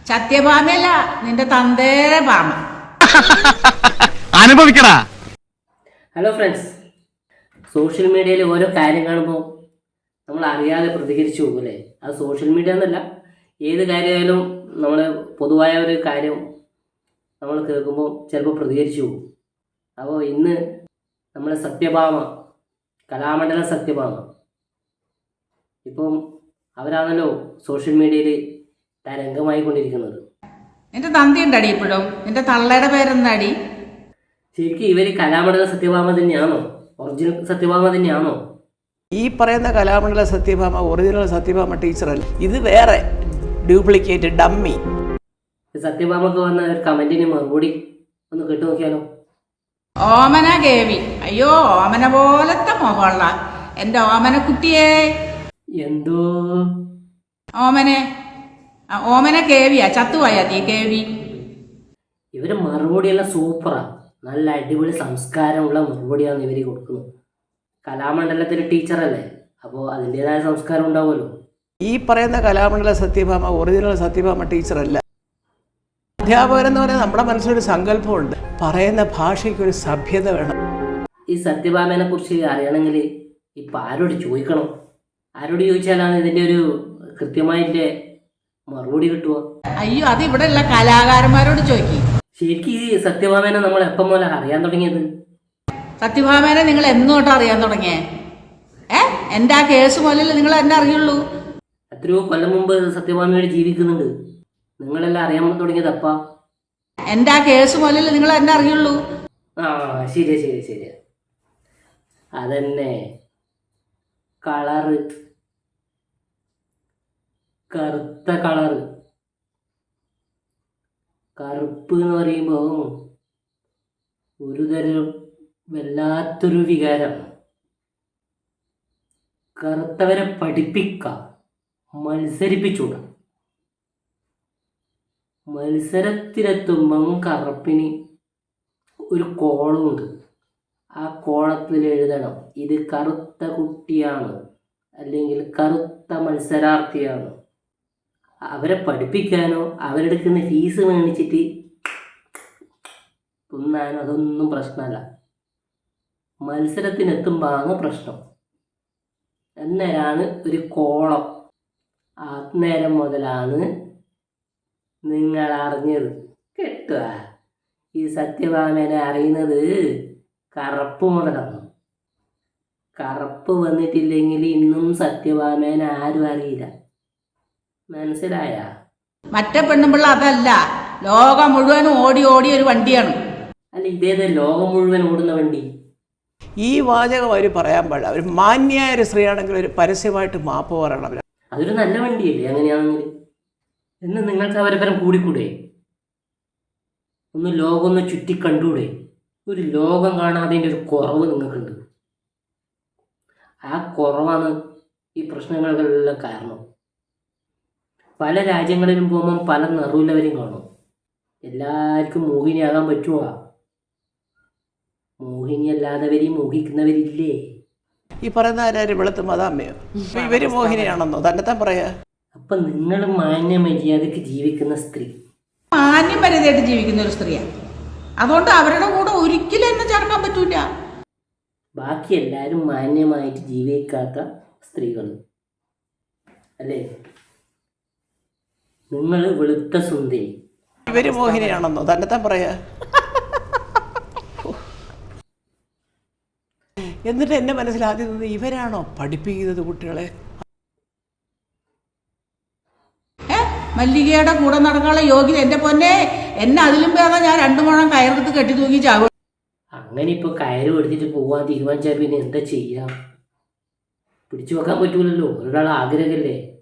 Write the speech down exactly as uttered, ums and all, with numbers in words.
സത്യഭാമയല്ല, നിന്റെ തന്തേരെ ഭാമ. അനുഭവിക്കടാ. ഹലോ ഫ്രണ്ട്സ്, സോഷ്യൽ മീഡിയയിൽ ഓരോ കാര്യം കാണുമ്പോൾ നമ്മൾ അറിയാതെ പ്രതികരിച്ചു പോകും അല്ലേ? അത് സോഷ്യൽ മീഡിയ എന്നല്ല, ഏത് കാര്യമായാലും നമ്മൾ പൊതുവായ ഒരു കാര്യം നമ്മൾ കേൾക്കുമ്പോൾ ചിലപ്പോൾ പ്രതികരിച്ചു പോകും. അപ്പോൾ ഇന്ന് നമ്മളെ സത്യഭാമ, കലാമണ്ഡലം സത്യഭാമ, ഇപ്പം അവരാണല്ലോ സോഷ്യൽ മീഡിയയിൽ തരംഗമായി കൊണ്ടിരിക്കുന്നത്. നിന്റെ തന്തി ഉണ്ടടി ഇപ്പോഴും? നിന്റെ തള്ളയുടെ പേരെന്താടി? ശരിക്കും ഇവർ കലാമണ്ഡലം സത്യഭാമ തന്നെയാണോ? ഒറിജിനൽ സത്യഭാമ തന്നെയാണോ? ഈ പറയുന്ന കലാമണ്ഡല സത്യഭാമ ഒറിജിനൽ സത്യഭാമ ടീച്ചറല്ല, ഇത് വേറെ ഡ്യൂപ്ലിക്കേറ്റ് ഡമ്മി. സത്യഭാമക്ക് വന്ന ഒരു കമന്റിന് മറുപടി ഒന്ന് കേട്ടു നോക്കിയാലോ? ഓമന കേവി, അയ്യോ ഓമന പോലത്തെ മുഖമുള്ള എൻ്റെ ഓമന കുട്ടിയെ. എന്തോ ഓമനെ ഓമന കേവിയാ, ചത്തുപോയാ തീ കേവി. ഇവര് മറുപടിയെല്ലാം സൂപ്പറാ, നല്ല അടിപൊളി സംസ്കാരമുള്ള മറുപടിയാണ് ഇവര് കൊടുക്കുന്നത്. കലാമണ്ഡലത്തിലെ ടീച്ചറല്ലേ, അപ്പോൾ അതിൻ്റെതായ സംസ്കാരം ഉണ്ടാവുമല്ലോ. ഈ പറയുന്ന കലാമണ്ഡല സത്യഭാമ ഒറിജിനൽ സത്യഭാമ ടീച്ചറല്ല. അധ്യാപകരെന്ന് പറഞ്ഞാൽ നമ്മുടെ മനസ്സിലൊരു സങ്കല്പമുണ്ട്, പറയുന്ന ഭാഷയ്ക്കൊരു സഭ്യത വേണം. ഈ സത്യഭാമനെ കുറിച്ച് അറിയണമെങ്കിൽ ഇപ്പം ആരോട് ചോദിക്കണം? ആരോട് ചോദിച്ചാലാണ് ഇതിൻ്റെ ഒരു കൃത്യമായിട്ട് മറുപടി കിട്ടുക? അയ്യോ, അത് ഇവിടെ ഉള്ള കലാകാരന്മാരോട് ചോദിക്കും. ശരിക്കും ഈ സത്യഭാമനെ നമ്മൾ എപ്പം മുതൽ അറിയാൻ തുടങ്ങിയത്? സത്യഭാമേനെ നിങ്ങൾ എന്നോട്ട് അറിയാൻ തുടങ്ങിയേ? ഏ എൻ്റെ ആ കേസ് മുതലല്ലേ നിങ്ങൾ എന്നെ അറിയുള്ളൂ. എത്രയോ കൊല്ലം മുമ്പ് സത്യഭാമയോട് ജീവിക്കുന്നുണ്ട്, നിങ്ങളെല്ലാം അറിയാൻ തുടങ്ങിയത് അപ്പാ. എൻ്റെ ആ കേസ് മുതലല്ലേ നിങ്ങൾ എന്നെ അറിയുള്ളൂ. ആ ശരിയാ ശരി ശരിയാ അതന്നെ. കളറ്, കറുത്ത കളറ്, കറുപ്പ് എന്ന് പറയുമ്പോൾ ഒരു തരം വല്ലാത്തൊരു വികാരം. കറുത്തവരെ പഠിപ്പിക്കാം, മത്സരിപ്പിച്ചൂടാ. മത്സരത്തിലെത്തുമ്പം കറുപ്പിന് ഒരു കോളമുണ്ട്, ആ കോളത്തിൽ എഴുതണം ഇത് കറുത്ത കുട്ടിയാണ് അല്ലെങ്കിൽ കറുത്ത മത്സരാർത്ഥിയാണ്. അവരെ പഠിപ്പിക്കാനോ അവരെടുക്കുന്ന ഫീസ് മേടിച്ചിട്ട് തിന്നാനോ അതൊന്നും പ്രശ്നമല്ല. മത്സരത്തിനെത്തുമ്പോഴാണ് പ്രശ്നം. അന്നേരമാണ് ഒരു കോളം. അന്നേരം മുതലാണ് നിങ്ങൾ അറിഞ്ഞത് കേട്ടുക. ഈ സത്യഭാമനെ അറിയുന്നത് കറുപ്പ് മുതലാണ്. കറുപ്പ് വന്നിട്ടില്ലെങ്കിൽ ഇന്നും സത്യഭാമേനെ ആരും അറിയില്ല. മനസ്സിലായ? മറ്റേ പെണ്ണുമ്പിള്ള അതല്ല, ലോകം മുഴുവനും ഓടി ഓടി ഒരു വണ്ടിയാണ്. അല്ല, ഇതേത് ലോകം മുഴുവൻ ഓടുന്ന വണ്ടി? ഈ വാചകം അവർ പറയാൻ പാടില്ല. അവർ മാന്യായ ഒരു സ്ത്രീയാണെങ്കിൽ ഒരു പരസ്യമായിട്ട് മാപ്പ് പറയണം. അവർ അതൊരു നല്ല വണ്ടിയല്ലേ അങ്ങനെയാണെങ്കിൽ? എന്ന് നിങ്ങൾക്ക് അവരെ പരം കൂടിക്കൂടെ? ഒന്ന് ലോകം ഒന്ന് ചുറ്റി കണ്ടൂടെ? ഒരു ലോകം കാണാതിൻ്റെ ഒരു കുറവ് നിങ്ങൾക്കുണ്ട്. ആ കുറവാണ് ഈ പ്രശ്നങ്ങൾക്കെല്ലാം കാരണം. പല രാജ്യങ്ങളിലും പോകുമ്പം പല നിറവില്ലവരും കാണും. എല്ലാവർക്കും മോഹിനിയാകാൻ പറ്റുമോ? മോഹിനി അല്ലാത്തവരെയും മോഹിക്കുന്നവരില്ലേ? ഈ പറയുന്ന ആരും വെളുത്ത് മതാമ്മയോ? ഇവര് മോഹിനിയാണെന്നോ തന്നെത്താൻ പറയാ? അപ്പൊ നിങ്ങൾ മാന്യ മര്യാദക്ക് ജീവിക്കുന്ന സ്ത്രീ, മാന്യം മര്യാദയായിട്ട് ജീവിക്കുന്ന ഒരു സ്ത്രീയാണ്. അതുകൊണ്ട് അവരുടെ കൂടെ ഒരിക്കലും എന്നെ ചേർക്കാൻ പറ്റൂല. ബാക്കി എല്ലാവരും മാന്യമായിട്ട് ജീവിക്കാത്ത സ്ത്രീകൾ അല്ലേ? നിങ്ങൾ വെളുത്ത സുന്ദരി, ഇവര് മോഹിനിയാണെന്നോ തന്നെത്താൻ പറയാ? എന്നിട്ട് എന്നെ മനസ്സിലാദ്യം നിന്ന് ഇവരാണോ പഠിപ്പിക്കുന്നത് കുട്ടികളെ? ഏ മല്ലികയുടെ കൂടെ നടക്കാനുള്ള യോഗ്യത എൻ്റെ പൊന്നെ, എന്നെ അതിലും ഭേദം ഞാൻ രണ്ടു മുഴം കയറെടുത്ത് കെട്ടി തൂക്കി ചാവും. അങ്ങനെ ഇപ്പൊ കയറ് എടുത്തിട്ട് പോവാൻ തീരുമാനിച്ചാൽ പിന്നെ എന്താ ചെയ്യാം? പിടിച്ചു വെക്കാൻ പറ്റൂലല്ലോ, ഒരാൾ ആഗ്രഹമല്ലേ.